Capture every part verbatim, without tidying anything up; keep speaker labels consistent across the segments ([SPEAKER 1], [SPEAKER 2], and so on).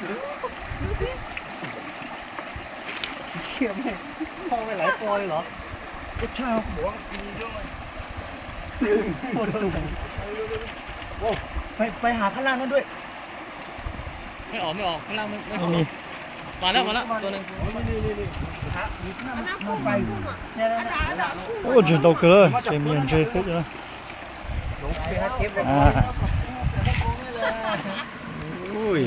[SPEAKER 1] ดูสิเชี่ยไม่พ่อไปหลายตัวเลยเหรอก็ใช่ครับหัวมีเยอะเลยโอ้โหโอ้ไปไปหาข้างล่างนั่นด้วย
[SPEAKER 2] ไม่ออกไม่ออกข้างล่างไม่ไม่ออกมาแล้วมาแล้วตัวหนึ่งนี่นี่นี่ฮะมันไป
[SPEAKER 1] เนี่ยนะ
[SPEAKER 3] Ô, chuyển đầu cơ, chế miền chế phết rồi. À. Ui.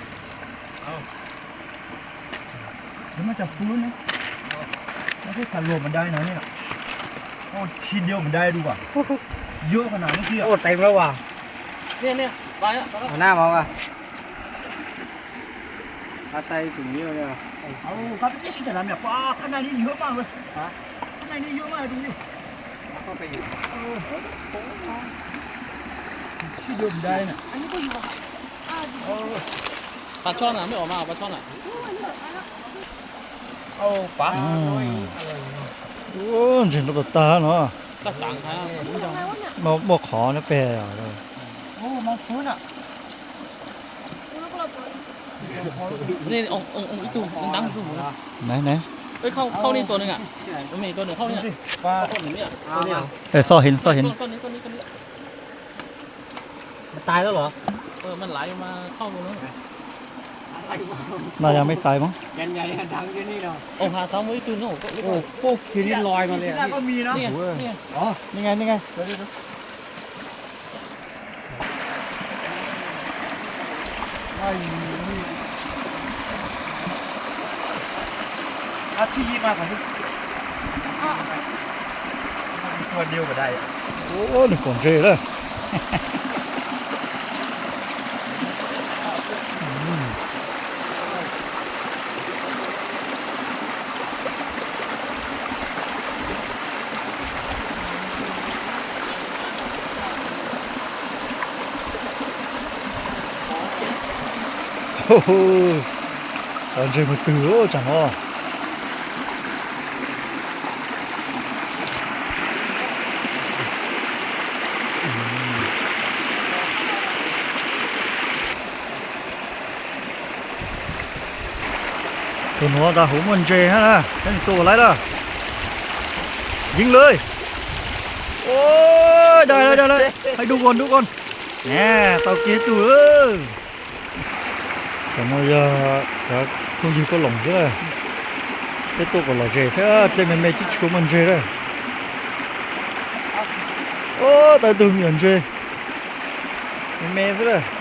[SPEAKER 1] เดี๋ยวมันจะฟื้นนะแล้วที่สารรวมมันได้นะเนี่ยโอ้ทีเดียวมันได้ดูว่ะเยอะขนาดนี้โอ้เต็มแล้วว่ะ
[SPEAKER 2] เนี่ยเนี่ยไปแล้ว
[SPEAKER 1] เอาหน้ามองอ่ะอาไตถึงเยอะเลยเอาครับพี่ชิดอะไรเนี่ยป้าข้างในนี่เยอะมากเลยฮะข้างในนี่เยอะมากดูดิเข้าไปอยู่เออทีเดียวมันได้น่ะอันนี้ก็อยู่อ่ะ
[SPEAKER 2] ปลาช่อนอ่ะไม่ออกมาปลาช่อนอ่ะ
[SPEAKER 1] เอาปลา
[SPEAKER 3] Ô, chuyển đầu ta nó.
[SPEAKER 2] ก็สั่งครับ
[SPEAKER 3] Mà bỏ khó nó bè rồi.
[SPEAKER 1] โอ้มองฟื้นอ่ะ
[SPEAKER 2] นี่องององอีตู้มันดังสูงนะ
[SPEAKER 3] Này này.
[SPEAKER 2] เฮ้ยเข้าเข้านี่ตัวหนึ่งอ่ะมันมีตัวหนึ่งเข้าเนี่ย
[SPEAKER 1] ปลา
[SPEAKER 2] ต้นหนึ่งเนี่ยตัวนี้
[SPEAKER 3] Ê, so hình, so hình.
[SPEAKER 2] ต้นนี้ต้นนี้ต้นนี้
[SPEAKER 1] มันตายแล้วเหรอ
[SPEAKER 2] เออมันไหลมาเข้าตรงนู้น
[SPEAKER 3] Nào,ไม่ตายมั้ง
[SPEAKER 1] ยันใหญ่ดังที่นี่เนาะ
[SPEAKER 2] โอ้หาทางไว้ตู้นู้นก็
[SPEAKER 1] โอ้พวกทีนี้ลอยมาเลยอ่ะก็มีนะ
[SPEAKER 2] เนี่ยเนี่ย
[SPEAKER 1] อ๋อ
[SPEAKER 3] นี่ไงนี่ไง
[SPEAKER 1] เดี๋ยวเดี๋ยวไอ้นี่อาที่ยี่มาก่อนดิตัวเดียวก็ได้
[SPEAKER 3] Ô, được còn ghê đó. Còn chơi một từ ô chẳng ho. Tụi nó đã hú mình chê ha, cái chỗ lấy đó. Dính lưới. Ôi, đây đây đây đây. Hãy đu con đu con. Nè, tao kia tụi ơi. Còn bây giờ đã không gì có lỏng thế này. Cái tôi còn là dề thế trên mình mê chích chú mình dề đây. Ô, tại từ miền dề. Mình mê thế này.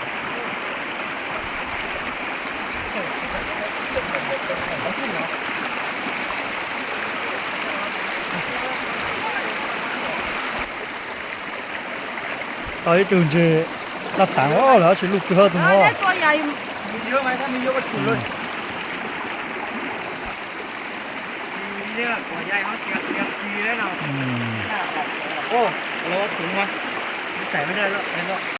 [SPEAKER 3] Tới từ dề đặt tảng đó là chỉ lục hơn tụi nó.
[SPEAKER 1] ตัวใหญ่มีเยอะไหมถ้ามีเยอะก็จุดเลยมีเนี่ยตัวใหญ่เขาเสียเสียทีแล้วเนาะ
[SPEAKER 3] Ừ.
[SPEAKER 1] โอ้เราถึงวะใส่ไม่ได้แล้ว